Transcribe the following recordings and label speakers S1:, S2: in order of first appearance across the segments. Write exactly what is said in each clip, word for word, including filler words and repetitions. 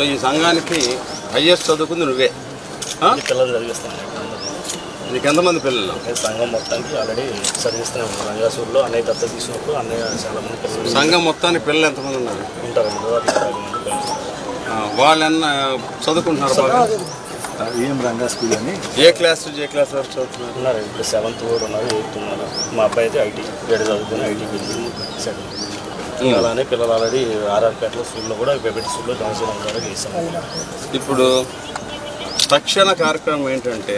S1: ఈ సంఘానికి హైయెస్ట్ చదువుకుంది నువ్వే.
S2: పిల్లలు చదివిస్తాను.
S1: నీకు ఎంతమంది పిల్లలు?
S2: సంఘం మొత్తానికి ఆల్రెడీ చదివిస్తూనే ఉన్నాను. రంగాసూరులో అన్నయ్య దత్త తీసుకున్నప్పుడు అన్నయ్య చాలా మంది పిల్లలు.
S1: సంఘం మొత్తానికి పిల్లలు ఎంతమంది ఉన్నారు?
S2: ఉంటారండి, యాభై మంది పిల్లలు.
S1: వాళ్ళన్న చదువుకుంటున్నారు బాగా?
S3: ఏం రంగా స్కూల్ అని.
S1: ఏ క్లాస్ ఏ క్లాస్ వరకు చదువుతున్నారు?
S2: ఉన్నారు ఇప్పుడు సెవెంత్ కూడా ఉన్నారు, ఎయిత్ ఉన్నారు. మా అబ్బాయి అయితే ఐటీ ఏడు చదువుకుని ఐటీ బిల్డింగ్ సెకండ్. అలానే పిల్లలు ఆల్రెడీ ఆర్ఆర్పేటలో స్కూల్లో కూడా పెబెట్ స్కూల్లో జాయిన్ చేయడం ద్వారా చేశాం.
S1: ఇప్పుడు తక్షణ కార్యక్రమం ఏంటంటే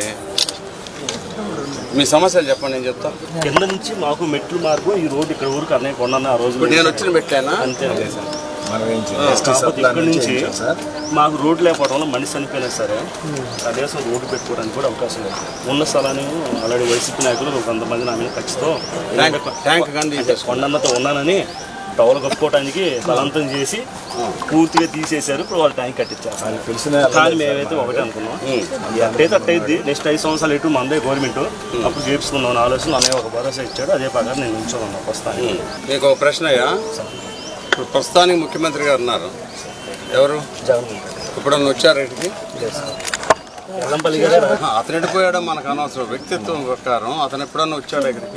S1: మీ సమస్యలు చెప్పండి, నేను చెప్తాను.
S2: కింద నుంచి మాకు మెట్లు మార్గం ఈ రోడ్డు ఇక్కడ ఊరికి అన్నయ్య కొన్నాను ఆ రోజు.
S1: నేను వచ్చిన మెట్లేనా?
S2: అంతే
S1: సార్.
S2: ఇక్కడ నుంచి మాకు రోడ్డు లేకపోవడం వల్ల మనిషి చనిపోయినా సరే కనీసం రోడ్డు పెట్టుకోవడానికి కూడా అవకాశం లేదు. ఉన్న స్థలాన్ని ఆల్రెడీ వైసీపీ నాయకులు కొంతమంది నా మీద ఖచ్చితో కొండన్నతో ఉన్నానని టవల్ కప్పుకోవడానికి బలవంతం చేసి పూర్తిగా తీసేశారు. ఇప్పుడు వాళ్ళు ట్యాంక్ కట్టించారు. కానీ మేమైతే ఒకటే అనుకున్నాం, ఎట్టయితే అట్టయిద్ది. నెక్స్ట్ ఐదు సంవత్సరాలు ఎటు మందే గవర్నమెంట్ అప్పుడు చేపించుకున్నాం ఆలోచన. అనే ఒక భరోసా ఇచ్చాడు, అదే ప్రకారం నేను ఉంచుకున్నాను. ప్రస్తుతానికి
S1: మీకు ఒక ప్రశ్నయ్యా, ఇప్పుడు ప్రస్తుతానికి ముఖ్యమంత్రి గారు ఉన్నారు, ఎవరు?
S2: జగన్.
S1: ఇప్పుడు వచ్చారు ఇంటికి?
S2: ఎల్లంపల్లి గారు.
S1: అతను ఎడిపోయాడో మనకు అనవసరం. వ్యక్తిత్వం ప్రకారం అతను ఎప్పుడన్నా వచ్చాడు ఇక్కడికి?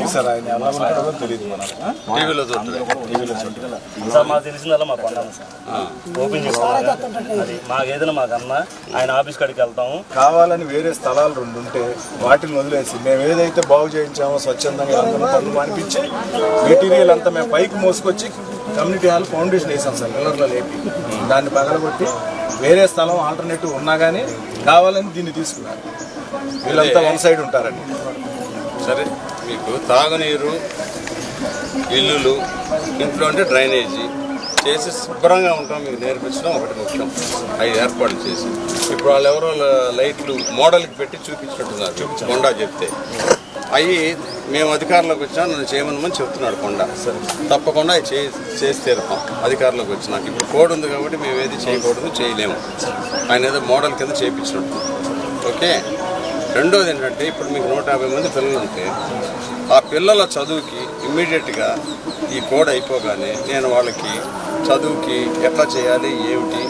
S1: టీవీలో
S2: సార్ మాకు తెలిసిందల్లా మాకు అన్నాను సార్, ఓపెన్ చేసుకున్నాను. అది మాకు ఏదైనా మాకు అన్న ఆయన ఆఫీస్ కాడికి వెళ్తాము.
S3: కావాలని వేరే స్థలాలు రెండు ఉంటే వాటిని వదిలేసి మేము ఏదైతే బాగు చేయించామో స్వచ్ఛందంగా అందరం పనులు అనిపించి మెటీరియల్ అంతా మేము పైకి మోసుకొచ్చి కమ్యూనిటీ హాల్ ఫౌండేషన్ వేసాం సార్. పిల్లర్లో లేపి దాన్ని పగలగొట్టి వేరే స్థలం ఆల్టర్నేటివ్ ఉన్నా కానీ కావాలని దీన్ని తీసుకున్నారు. వీళ్ళంతా వన్ సైడ్ ఉంటారండి.
S1: సరే, మీకు తాగునీరు, ఇల్లులు, ఇంట్లో అంటే డ్రైనేజీ చేసి శుభ్రంగా ఉంటాం మీకు నేర్పించడం ఒకటి ముఖ్యం. అవి ఏర్పాట్లు చేసి ఇప్పుడు వాళ్ళు ఎవరో లైట్లు మోడల్కి పెట్టి చూపించినట్టున్నారు కొండా చెప్తే. అవి మేము అధికారంలోకి వచ్చినా నన్ను చేయమని చెప్తున్నాడు కొండ. తప్పకుండా అవి చేసి తీరుతాం అధికారంలోకి వచ్చినాక. ఇప్పుడు కోడ్ ఉంది కాబట్టి మేము ఏది చేయకూడదు, చేయలేము. ఆయన ఏదో మోడల్ కింద చేయించినట్టు. ఓకే. రెండోది ఏంటంటే ఇప్పుడు మీకు నూట యాభై మంది పిల్లలు ఉంటే ఆ పిల్లల చదువుకి ఇమ్మీడియట్గా ఈ కోడ్ అయిపోగానే నేను వాళ్ళకి చదువుకి ఎట్లా చేయాలి ఏమిటి,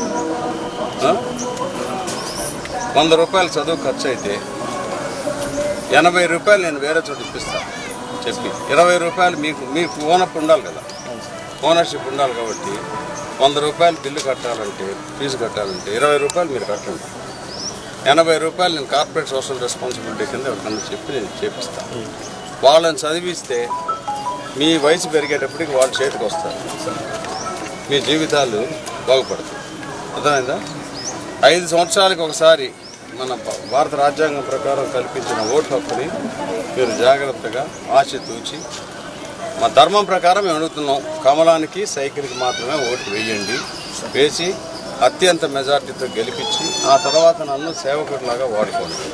S1: వంద రూపాయలు చదువు ఖర్చు అయితే ఎనభై రూపాయలు నేను వేరే చోటు ఇప్పిస్తాను చెప్పి, ఇరవై రూపాయలు మీకు మీకు ఓనప్ ఉండాలి కదా, ఓనర్షిప్ ఉండాలి కాబట్టి వంద రూపాయలు బిల్లు కట్టాలంటే ఫీజు కట్టాలంటే ఇరవై రూపాయలు మీరు కట్టండి. ఎనభై రూపాయలు నేను కార్పొరేట్ సోషల్ రెస్పాన్సిబిలిటీ కింద ఎవరికన్నా చెప్పి నేను చేపిస్తాను. వాళ్ళని చదివిస్తే మీ వయసు పెరిగేటప్పటికి వాళ్ళ చేతికి వస్తారు, మీ జీవితాలు బాగుపడతాయి. అర్థమైందా? ఐదు సంవత్సరాలకు ఒకసారి మన భారత రాజ్యాంగం ప్రకారం కల్పించిన ఓటు హక్కుని మీరు జాగ్రత్తగా ఆచితూచి మా ధర్మం ప్రకారం మేము అడుగుతున్నాం, కమలానికి సైకిల్కి మాత్రమే ఓటు వేయండి. వేసి అత్యంత మెజార్టీతో గెలిపించి ఆ తర్వాత నన్ను సేవకుడిలాగా వాడుకోండి.